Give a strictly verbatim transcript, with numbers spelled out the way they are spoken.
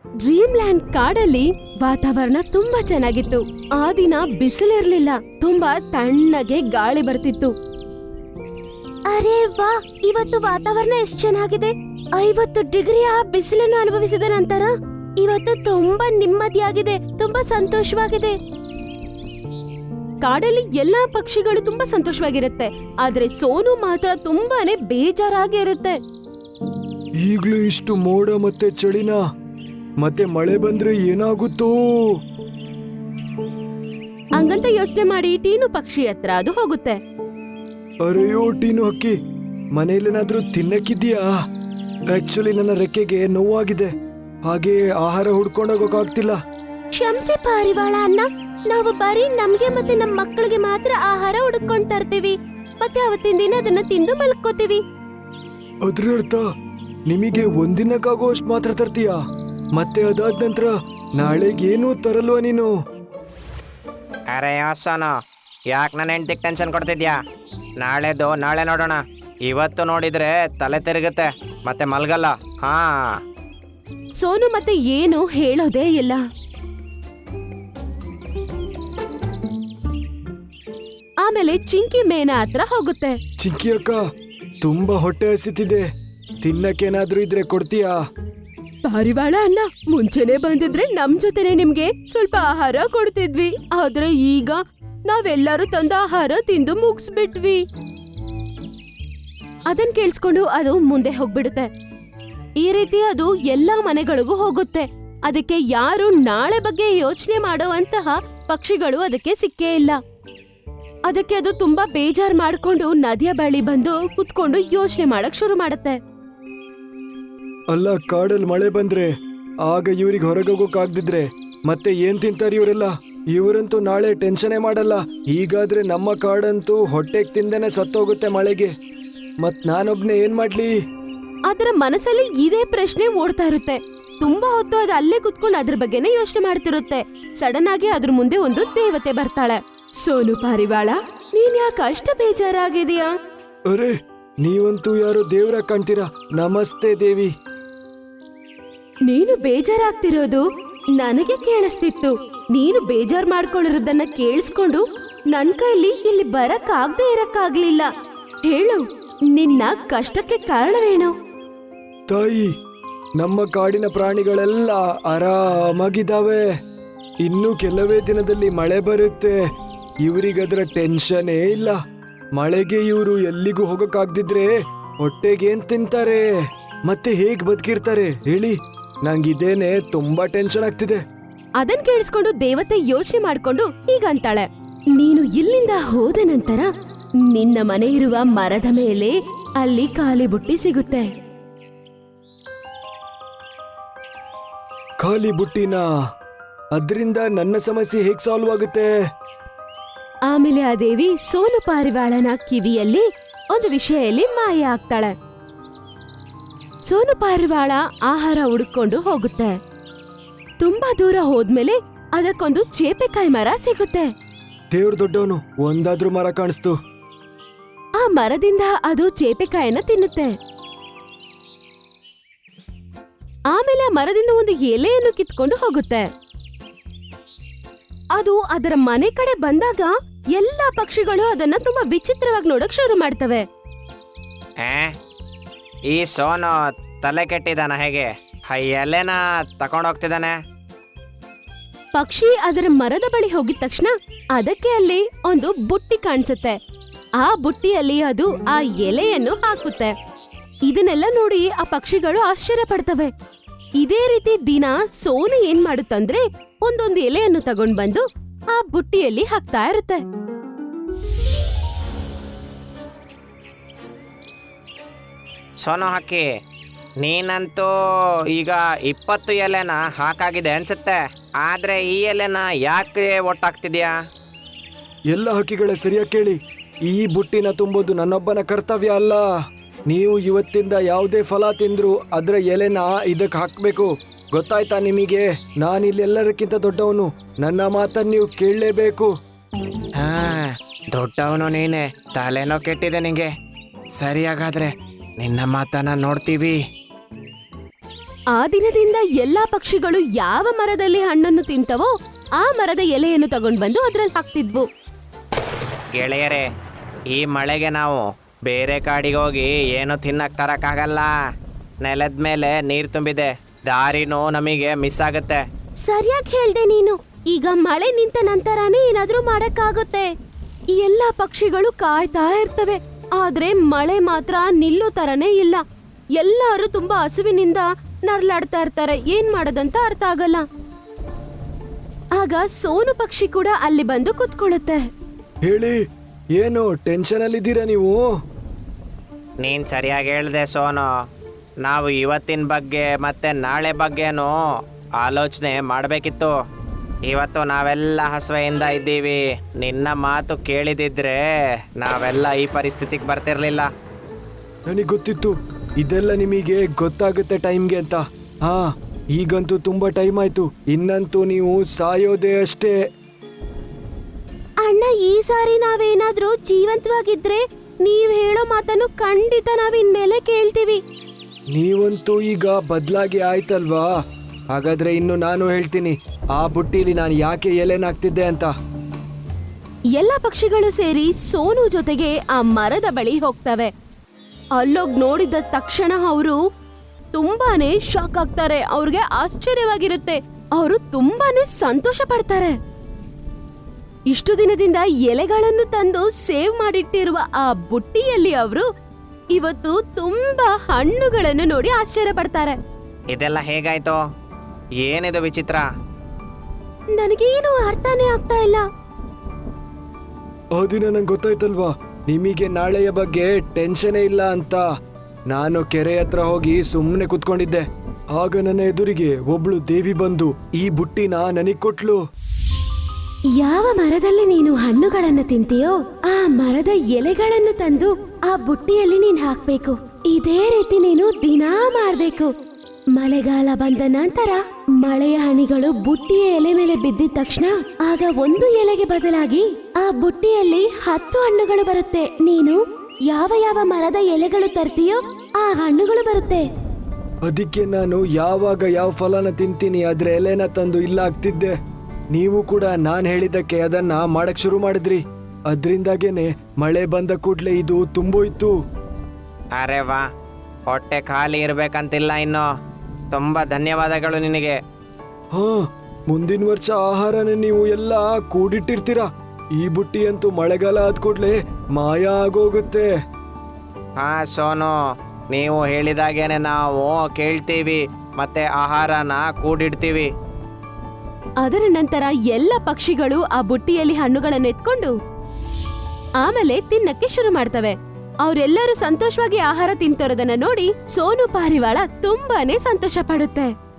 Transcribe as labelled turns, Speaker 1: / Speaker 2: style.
Speaker 1: Dream land ಕಾಡಲ್ಲಿ ವಾತಾವರಣ ತುಂಬಾ ಚೆನ್ನಾಗಿತ್ತು. ಆ ದಿನ ಬಿಸಿಲಿರ್ಲಿಲ್ಲ, ತುಂಬಾ ತಣ್ಣಗೆ ಗಾಳಿ ಬರ್ತಿತ್ತು. ಅರೆ ವಾ, ಇವತ್ತು ವಾತಾವರಣ ಎಷ್ಟು ಚೆನ್ನಾಗಿದೆ. ಐವತ್ತು ಡಿಗ್ರಿಯ ಬಿಸಿಲನ್ನು ಅನುಭವಿಸಿದ ನಂತರ ಇವತ್ತು ತುಂಬಾ ನೆಮ್ಮದಿಯಾಗಿದೆ, ತುಂಬಾ ಸಂತೋಷವಾಗಿದೆ. ಕಾಡಲ್ಲಿ ಎಲ್ಲಾ ಪಕ್ಷಿಗಳು ತುಂಬಾ ಸಂತೋಷವಾಗಿರುತ್ತೆ, ಆದ್ರೆ ಸೋನು ಮಾತ್ರ ತುಂಬಾನೇ ಬೇಜಾರಾಗಿರುತ್ತೆ.
Speaker 2: ಈಗ್ಲೂ ಇಷ್ಟು ಮೋಡ ಮತ್ತೆ ಚಳಿನ, ಮತ್ತೆ ಮಳೆ ಬಂದ್ರೆ ಏನಾಗುತ್ತೋ?
Speaker 1: ಹಂಗಂತ ಯೋಚನೆ ಮಾಡಿ ಟೀನು ಪಕ್ಷಿ ಹತ್ರ ಅದು ಹೋಗುತ್ತೆ.
Speaker 2: ಅರೆಯೋ ಟೀನು ಹಕ್ಕಿ, ಮನೇಲೇನಾದ್ರೂ ತಿನ್ನಕ್ಕಿದ್ಯಾ? ಆಕ್ಚುಲಿ ನನ್ನ ರೆಕ್ಕೆಗೆ ನೋವಾಗಿದೆ, ಹಾಗೆ ಆಹಾರ ಹುಡ್ಕೊಂಡೋಗಕ್ಕಾಗ್ತಿಲ್ಲ.
Speaker 1: ಕ್ಷಮ್ಸಿ ಪಾರಿವಾಳ ಅಣ್ಣ, ನಾವು ಬರೀ ನಮ್ಗೆ ಮತ್ತೆ ನಮ್ ಮಕ್ಕಳಿಗೆ ಮಾತ್ರ ಆಹಾರ ಹುಡುಕೊಂಡ್ ತರ್ತೀವಿ, ಮತ್ತೆ ಅವತ್ತಿನ ದಿನ ಅದನ್ನ ತಿಂದು ಮಲ್ಕೋತೀವಿ.
Speaker 2: ಅದ್ರ ಅರ್ಥ ನಿಮಗೆ ಒಂದಿನಕ್ಕಾಗೋಷ್ಟು ಮಾತ್ರ ತರ್ತೀಯಾ? ಮತ್ತೆ ಅದಾದ ನಂತರ ನಾಳೆಗೇನು ತರಲ್ವಾ ನೀನು?
Speaker 3: ಅರೆ ಯೋಸನು, ಯಾಕೆ ನನ್ನ ಹೆಂಡ್ತಿಗೆ ಟೆನ್ಷನ್ ಕೊಡ್ತಿದ್ಯಾ? ನಾಳೆದು ನಾಳೆ ನೋಡೋಣ, ಇವತ್ತು ನೋಡಿದ್ರೆ ತಲೆ ತಿರುಗುತ್ತೆ ಮತ್ತೆ ಮಲ್ಗಲ್ಲ. ಹಾ,
Speaker 1: ಸೋನು ಮತ್ತೆ ಏನು ಹೇಳೋದೇ ಇಲ್ಲ. ಆಮೇಲೆ ಚಿಂಕಿ ಮೇನ ಹತ್ರ ಹೋಗುತ್ತೆ.
Speaker 2: ಚಿಂಕಿ ಅಕ್ಕ, ತುಂಬಾ ಹೊಟ್ಟೆ ಹಸಿತಿದೆ, ತಿನ್ನಕ್ಕೇನಾದ್ರೂ ಇದ್ರೆ ಕೊಡ್ತೀಯಾ?
Speaker 1: ಪಾರಿವಾಳ ಅಣ್ಣ, ಮುಂಚೆನೆ ಬಂದಿದ್ರೆ ನಮ್ ಜೊತೆನೆ ನಿಮ್ಗೆ ಸ್ವಲ್ಪ ಆಹಾರ ಕೊಡ್ತಿದ್ವಿ, ಆದ್ರೆ ಈಗ ನಾವೆಲ್ಲರೂ ತಂದ ಆಹಾರ ತಿಂದು ಮುಗಿಸ್ಬಿಟ್ವಿ. ಅದನ್ ಕೇಳಿಸ್ಕೊಂಡು ಅದು ಮುಂದೆ ಹೋಗ್ಬಿಡುತ್ತೆ. ಈ ರೀತಿ ಅದು ಎಲ್ಲಾ ಮನೆಗಳಿಗೂ ಹೋಗುತ್ತೆ. ಅದಕ್ಕೆ ಯಾರು ನಾಳೆ ಬಗ್ಗೆ ಯೋಚನೆ ಮಾಡುವಂತಹ ಪಕ್ಷಿಗಳು ಅದಕ್ಕೆ ಸಿಕ್ಕೇ ಇಲ್ಲ. ಅದಕ್ಕೆ ಅದು ತುಂಬಾ ಬೇಜಾರ್ ಮಾಡ್ಕೊಂಡು ನದಿಯ ಬಳಿ ಬಂದು ಕುತ್ಕೊಂಡು ಯೋಚನೆ ಮಾಡಕ್ ಶುರು ಮಾಡುತ್ತೆ.
Speaker 2: ಅಲ್ಲ, ಕಾಡಲ್ಲಿ ಮಳೆ ಬಂದ್ರೆ ಆಗ ಇವ್ರಿಗೆ ಹೊರಗೋಗೋಕಾಗ್ದಿದ್ರೆ ಮತ್ತೆ ಏನ್ ತಿಂತಾರೆ ಇವರೆಲ್ಲ? ಇವರಂತೂ ನಾಳೆ ಟೆನ್ಷನೇ ಮಾಡಲ್ಲ. ಹೀಗಾದ್ರೆ ನಮ್ಮ ಕಾಡಂತೂ ಹೊಟ್ಟೆಗ್ ತಿಂದೇನೆ ಸತ್ತೋಗುತ್ತೆ ಮಳೆಗೆ. ಮತ್ ನಾನೊಬ್ನೇ ಏನ್ ಮಾಡ್ಲಿ?
Speaker 1: ಅದರ ಮನಸ್ಸಲ್ಲಿ ಇದೇ ಪ್ರಶ್ನೆ ಓಡ್ತಾ ಇರುತ್ತೆ. ತುಂಬಾ ಹೊತ್ತು ಅದು ಅಲ್ಲೇ ಕುತ್ಕೊಂಡು ಅದ್ರ ಬಗ್ಗೆನೇ ಯೋಚನೆ ಮಾಡ್ತಿರುತ್ತೆ. ಸಡನ್ ಆಗಿ ಅದ್ರ ಮುಂದೆ ಒಂದು ದೇವತೆ ಬರ್ತಾಳೆ. ಸೋನು ಪಾರಿವಾಳ, ನೀನ್ ಯಾಕೆ ಅಷ್ಟ ಬೇಜಾರಾಗಿದೀಯಾ?
Speaker 2: ಅರೆ, ನೀವಂತೂ ಯಾರೋ ದೇವ್ರ ಕಾಣ್ತೀರಾ. ನಮಸ್ತೆ ದೇವಿ.
Speaker 1: ನೀನು ಬೇಜಾರಾಗ್ತಿರೋದು ನನಗೆ ಕೇಳಿಸ್ತಿತ್ತು. ನೀನು ಬೇಜಾರ್ ಮಾಡ್ಕೊಂಡಿರೋದನ್ನ ಕೇಳಿಸ್ಕೊಂಡು ನನ್ ಕೈಲಿ ಇಲ್ಲಿ ಬರಕ್ ಆಗದೆ ಇರಕ್ಕಾಗ್ಲಿಲ್ಲ. ಹೇಳು, ನಿನ್ನ ಕಷ್ಟಕ್ಕೆ ಕಾರಣವೇನು?
Speaker 2: ತಾಯಿ, ನಮ್ಮ ಕಾಡಿನ ಪ್ರಾಣಿಗಳೆಲ್ಲ ಆರಾಮಾಗಿದ್ದಾವೆ. ಇನ್ನು ಕೆಲವೇ ದಿನದಲ್ಲಿ ಮಳೆ ಬರುತ್ತೆ. ಇವರಿಗದ್ರ ಟೆನ್ಷನೇ ಇಲ್ಲ. ಮಳೆಗೆ ಇವರು ಎಲ್ಲಿಗೂ ಹೋಗಕ್ಕಾಗ್ದಿದ್ರೆ ಹೊಟ್ಟೆಗೇನ್ ತಿಂತಾರೆ, ಮತ್ತೆ ಹೇಗ್ ಬದುಕಿರ್ತಾರೆ ಹೇಳಿ? ನಂಗಿದೇನೆ ತುಂಬಾ ಟೆನ್ಷನ್ ಆಗ್ತಿದೆ.
Speaker 1: ಅದನ್ ಕೇಳಿಸ್ಕೊಂಡು ದೇವತೆ ಯೋಚನೆ ಮಾಡ್ಕೊಂಡು ಹೀಗಂತಾಳೆ, ನೀನು ಇಲ್ಲಿಂದ ಹೋದ ನಂತರ ನಿನ್ನ ಮನೆ ಇರುವ ಮರದ ಮೇಲೆ ಅಲ್ಲಿ ಖಾಲಿ ಬುಟ್ಟಿ ಸಿಗುತ್ತೆ.
Speaker 2: ಖಾಲಿ ಬುಟ್ಟಿನ? ಅದ್ರಿಂದ ನನ್ನ ಸಮಸ್ಯೆ ಹೇಗ್ ಸಾಲ್ವ್ ಆಗುತ್ತೆ?
Speaker 1: ಆಮೇಲೆ ಆ ದೇವಿ ಸೋನು ಪಾರಿವಾಳನ ಕಿವಿಯಲ್ಲಿ ಒಂದು ವಿಷಯಲ್ಲಿ ಮಾಯ ಆಗ್ತಾಳೆ. ಸೋನು ಪಾರಿವಾಳ ಆಹಾರ ಹುಡುಕೊಂಡು ಹೋಗುತ್ತೆ. ತುಂಬಾ ದೂರ ಹೋದ್ಮೇಲೆ ಅದಕ್ಕೊಂದು ಚೇಪೆಕಾಯಿ ಮರ ಸಿಗುತ್ತೆ.
Speaker 2: ದೇವ್ರ ದೊಡ್ಡವನು, ಒಂದಾದ್ರೂ ಮರ ಕಾಣಿಸ್ತು.
Speaker 1: ಆ ಮರದಿಂದ ಅದು ಚೇಪೆಕಾಯಿನ ತಿನ್ನುತ್ತೆ. ಆಮೇಲೆ ಆ ಮರದಿಂದ ಒಂದು ಎಲೆಯನ್ನು ಕಿತ್ಕೊಂಡು ಹೋಗುತ್ತೆ. ಅದು ಅದರ ಮನೆ ಕಡೆ ಬಂದಾಗ ಎಲ್ಲಾ ಪಕ್ಷಿಗಳು ಅದನ್ನ ತುಂಬಾ ವಿಚಿತ್ರವಾಗಿ ನೋಡಕ್ ಶುರು ಮಾಡ್ತವೆ.
Speaker 3: ಏ, ಈ ಸೋನು ತಲೆ ಕೆಟ್ಟಿದಾನ ಹೇಗೆ? ಎಲೆನ ತಕೊಂಡೋಗ್ತಿದ್ದಾನೆ.
Speaker 1: ಪಕ್ಷಿ ಅದರ ಮರದ ಬಳಿ ಹೋಗಿದ ತಕ್ಷಣ ಅದಕ್ಕೆ ಅಲ್ಲಿ ಒಂದು ಬುಟ್ಟಿ ಕಾಣಿಸುತ್ತೆ. ಆ ಬುಟ್ಟಿಯಲ್ಲಿ ಅದು ಆ ಎಲೆಯನ್ನು ಹಾಕುತ್ತೆ. ಇದನ್ನೆಲ್ಲ ನೋಡಿ ಆ ಪಕ್ಷಿಗಳು ಆಶ್ಚರ್ಯ ಪಡ್ತವೆ. ಇದೇ ರೀತಿ ದಿನ ಸೋನು ಏನ್ ಮಾಡುತ್ತಂದ್ರೆ ಒಂದೊಂದು ಎಲೆಯನ್ನು ತಗೊಂಡ್ ಬಂದು ಆ ಬುಟ್ಟಿಯಲ್ಲಿ ಹಾಕ್ತಾ ಇರುತ್ತೆ.
Speaker 3: ಸೋನು ಹಕ್ಕಿ, ನೀನಂತೂ ಈಗ ಇಪ್ಪತ್ತು ಎಲೆನ ಹಾಕಾಗಿದೆ ಅನ್ಸುತ್ತೆ. ಆದ್ರೆ ಈ ಎಲೆನ ಯಾಕೆ ಒಟ್ಟಾಗ್ತಿದ್ಯಾ?
Speaker 2: ಎಲ್ಲ ಹಕ್ಕಿಗಳ ಸರಿಯಾಗಿ ಕೇಳಿ, ಈ ಬುಟ್ಟಿನ ತುಂಬೋದು ನನ್ನೊಬ್ಬನ ಕರ್ತವ್ಯ ಅಲ್ಲ. ನೀವು ಇವತ್ತಿಂದ ಯಾವುದೇ ಫಲ ತಿಂದ್ರು ಅದ್ರ ಎಲೆನ ಇದಕ್ಕೆ ಹಾಕ್ಬೇಕು. ಗೊತ್ತಾಯ್ತಾ ನಿಮಗೆ? ನಾನಿಲ್ಲೆಲ್ಲರಕ್ಕಿಂತ ದೊಡ್ಡವನು, ನನ್ನ ಮಾತನ್ನು ನೀವು ಕೇಳಲೇಬೇಕು.
Speaker 3: ಹಾ, ದೊಡ್ಡವನು ನೀನೆ, ತಲೆನೋ ಕೆಟ್ಟಿದೆ ನಿಂಗೆ. ಸರಿಯಾಗಾದ್ರೆ ನಿನ್ನ ಮಾತನ್ನ ನೋಡ್ತೀವಿ.
Speaker 1: ಆ ದಿನದಿಂದ ಎಲ್ಲಾ ಪಕ್ಷಿಗಳು ಯಾವ ಮರದಲ್ಲಿ ಹಣ್ಣನ್ನು ತಿಂತವೋ ಆ ಮರದ ಎಲೆಯನ್ನು ತಗೊಂಡ್ ಬಂದು ಅದ್ರಲ್ಲಿ ಹಾಕ್ತಿದ್ವು.
Speaker 3: ಗೆಳೆಯರೇ, ಈ ಮಳೆಗೆ ನಾವು ಬೇರೆ ಕಾಡಿಗೆ ಹೋಗಿ ಏನು ತಿನ್ನಕ್ ತರಕ್ಕಾಗಲ್ಲ. ನೆಲದ ಮೇಲೆ ನೀರು ತುಂಬಿದೆ, ದಾರಿನೂ ನಮಗೆ ಮಿಸ್ ಆಗುತ್ತೆ.
Speaker 1: ಸರಿಯಾಗಿ ಹೇಳ್ದೆ ನೀನು. ಈಗ ಮಳೆ ನಿಂತ ನಂತರನೇ ಏನಾದ್ರೂ ಮಾಡಕ್ಕಾಗುತ್ತೆ. ಎಲ್ಲಾ ಪಕ್ಷಿಗಳು ಕಾಯ್ತಾ ಇರ್ತವೆ, ಆದ್ರೆ ಮಳೆ ಮಾತ್ರ ನಿಲ್ಲೋ ತರನೇ ಇಲ್ಲ. ಎಲ್ಲರೂ ತುಂಬಾ ಹಸುವಿನಿಂದ ನರ್ಲಾಡ್ತಾ ಇರ್ತಾರೆ. ಏನ್ ಮಾಡೋದಂತ ಅರ್ಥ ಆಗಲ್ಲ. ಆಗ ಸೋನು ಪಕ್ಷಿ ಕೂಡ ಅಲ್ಲಿ ಬಂದು ಕುತ್ಕೊಳ್ಳುತ್ತೆ.
Speaker 2: ಹೇಳಿ, ಏನು ಟೆನ್ಷನ್ ಅಲ್ಲಿದ್ದೀರಾ ನೀವು?
Speaker 3: ನೀನು ಸರಿಯಾಗಿ ಹೇಳ್ದೆ ಸೋನು. ನಾವು ಇವತ್ತಿನ ಬಗ್ಗೆ ಮತ್ತೆ ನಾಳೆ ಬಗ್ಗೆನೂ ಆಲೋಚನೆ ಮಾಡಬೇಕಿತ್ತು. ಇವತ್ತು ನಾವೆಲ್ಲ ಹಸುವೆಯಿಂದ ಇದ್ದೀವಿ. ನಿನ್ನ ಮಾತು ಕೇಳಿದಿದ್ರೆ ನಾವೆಲ್ಲ ಈ ಪರಿಸ್ಥಿತಿಗೆ ಬರ್ತಿರ್ಲಿಲ್ಲ.
Speaker 2: ನನಗೆ ಗೊತ್ತಿತ್ತು ಇದೆಲ್ಲ ನಿಮಗೆ ಗೊತ್ತಾಗುತ್ತೆ ಟೈಮ್ಗೆ ಅಂತ. ಹಾ, ಈಗಂತೂ ತುಂಬಾ ಟೈಮ್ ಆಯ್ತು. ಇನ್ನಂತೂ ನೀವು ಸಾಯೋದೇ ಅಷ್ಟೇ.
Speaker 1: ಅಣ್ಣ, ಈ ಸಾರಿ ನಾವೇನಾದ್ರೂ ಜೀವಂತವಾಗಿದ್ರೆ ನೀವ್ ಹೇಳೋ ಮಾತನ್ನು ಖಂಡಿತ ನಾವ್ ಇನ್ಮೇಲೆ ಕೇಳ್ತೀವಿ.
Speaker 2: ನೀವಂತೂ ಈಗ ಬದಲಾಗಿ ಆಯ್ತಲ್ವಾ? ಹಾಗಾದ್ರೆ ಇನ್ನು ನಾನು ಹೇಳ್ತೀನಿ ಆ ಬುಟ್ಟಿಲಿ ನಾನು ಯಾಕೆ ಎಲೆನಾಗ್ತಿದ್ದೆ ಅಂತ.
Speaker 1: ಎಲ್ಲ ಪಕ್ಷಿಗಳು ಸೇರಿ ಸೋನು ಜೊತೆಗೆ ಆ ಮರದ ಬಳಿ ಹೋಗ್ತವೆ. ಅಲ್ಲೋಗ್ ನೋಡಿದ ತಕ್ಷಣ ಅವರು ತುಂಬಾನೇ ಶಾಕ್ ಆಗ್ತಾರೆ. ಅವ್ರಿಗೆ ಆಶ್ಚರ್ಯವಾಗಿರುತ್ತೆ. ಅವರು ತುಂಬಾನೇ ಸಂತೋಷ ಪಡ್ತಾರೆ. ಇಷ್ಟು ದಿನದಿಂದ ಎಲೆಗಳನ್ನು ತಂದು ಸೇವ್ ಮಾಡಿಟ್ಟಿರುವ ಆ ಬುಟ್ಟಿಯಲ್ಲಿ ಅವರು ಇವತ್ತು ತುಂಬಾ ಹಣ್ಣುಗಳನ್ನು ನೋಡಿ ಆಶ್ಚರ್ಯ ಪಡ್ತಾರೆ.
Speaker 3: ಇದೆಲ್ಲ ಹೇಗಾಯ್ತು? ಏನಿದು ವಿಚಿತ್ರ?
Speaker 1: ನನಗೇನು ಅರ್ಥನೇ ಆಗ್ತಾ ಇಲ್ಲ.
Speaker 2: ಆ ದಿನ ನಂಗೆ ಗೊತ್ತಾಯ್ತಲ್ವಾ ನಿಮಗೆ ನಾಳೆಯ ಬಗ್ಗೆ ಟೆನ್ಷನೇ ಇಲ್ಲ ಅಂತ. ನಾನು ಕೆರೆ ಹತ್ರ ಹೋಗಿ ಸುಮ್ಮನೆ ಕುತ್ಕೊಂಡಿದ್ದೆ. ಆಗ ನನ್ನ ಎದುರಿಗೆ ಒಬ್ಳು ದೇವಿ ಬಂದು ಈ ಬುಟ್ಟಿನ ನನಗ್ ಕೊಟ್ಲು.
Speaker 1: ಯಾವ ಮರದಲ್ಲಿ ನೀನು ಹಣ್ಣುಗಳನ್ನು ತಿಂತೀಯೋ ಆ ಮರದ ಎಲೆಗಳನ್ನು ತಂದು ಆ ಬುಟ್ಟಿಯಲ್ಲಿ ನೀನ್ ಹಾಕ್ಬೇಕು. ಇದೇ ರೀತಿ ನೀನು ದಿನಾ ಮಾಡ್ಬೇಕು. ಮಳೆಗಾಲ ಬಂದ ನಂತರ ಮಳೆಯ ಹನಿಗಳು ಬುಟ್ಟಿಯ ಎಲೆ ಮೇಲೆ ಬಿದ್ದಿದ ತಕ್ಷಣ ಆಗ ಒಂದು ಎಲೆಗೆ ಬದಲಾಗಿ ಆ ಬುಟ್ಟಿಯಲ್ಲಿ ಹತ್ತು ಹಣ್ಣುಗಳು ಬರುತ್ತೆ. ನೀನು ಯಾವ ಯಾವ ಮರದ ಎಲೆಗಳು ತರ್ತೀಯೋ ಆ ಹಣ್ಣುಗಳು ಬರುತ್ತೆ.
Speaker 2: ಅದಕ್ಕೆ ನಾನು ಯಾವಾಗ ಯಾವ ಫಲನ ತಿಂತೀನಿ ಅದ್ರ ಎಲೆನ ತಂದು ಇಲ್ಲ ಆಗ್ತಿದ್ದೆ. ನೀವು ಕೂಡ ನಾನ್ ಹೇಳಿದ್ದಕ್ಕೆ ಅದನ್ನ ಮಾಡಕ್ ಶುರು ಮಾಡಿದ್ರಿ. ಅದ್ರಿಂದಾಗೇನೆ ಮಳೆ ಬಂದ ಕೂಡ್ಲೆ ಇದು ತುಂಬೋಯ್ತು.
Speaker 3: ಅರೆ ವಾ, ಹೊಟ್ಟೆ ಖಾಲಿ ಇರ್ಬೇಕಂತಿಲ್ಲ ಇನ್ನು. ತುಂಬಾ ಧನ್ಯವಾದಗಳು ನಿನಗೆ.
Speaker 2: ಹಾ, ಮುಂದಿನ ವರ್ಷ ಆಹಾರನ ನೀವು ಎಲ್ಲ ಕೂಡಿಟ್ಟಿರ್ತೀರಾ. ಈ ಬುಟ್ಟಿ ಅಂತೂ ಮಳೆಗಾಲ ಆದ ಕೂಡ್ಲೆ ಮಾಯ ಆಗೋಗುತ್ತೆ.
Speaker 3: ಹಾ ಸೋನು, ನೀವು ಹೇಳಿದಾಗೇನೆ ನಾವು ಕೇಳ್ತೀವಿ ಮತ್ತೆ ಆಹಾರನ ಕೂಡಿಡ್ತೀವಿ.
Speaker 1: ಅದರ ನಂತರ ಎಲ್ಲ ಪಕ್ಷಿಗಳು ಆ ಬುಟ್ಟಿಯಲ್ಲಿ ಹಣ್ಣುಗಳನ್ನು ಎತ್ಕೊಂಡು ಆಮೇಲೆ ತಿನ್ನಕ್ಕೆ ಶುರು ಮಾಡ್ತವೆ. ಅವರೆಲ್ಲರೂ ಸಂತೋಷವಾಗಿ ಆಹಾರ ತಿಂತಿರೋದನ್ನ ನೋಡಿ ಸೋನು ಪಾರಿವಾಳ ತುಂಬಾನೇ ಸಂತೋಷ ಪಡುತ್ತೆ.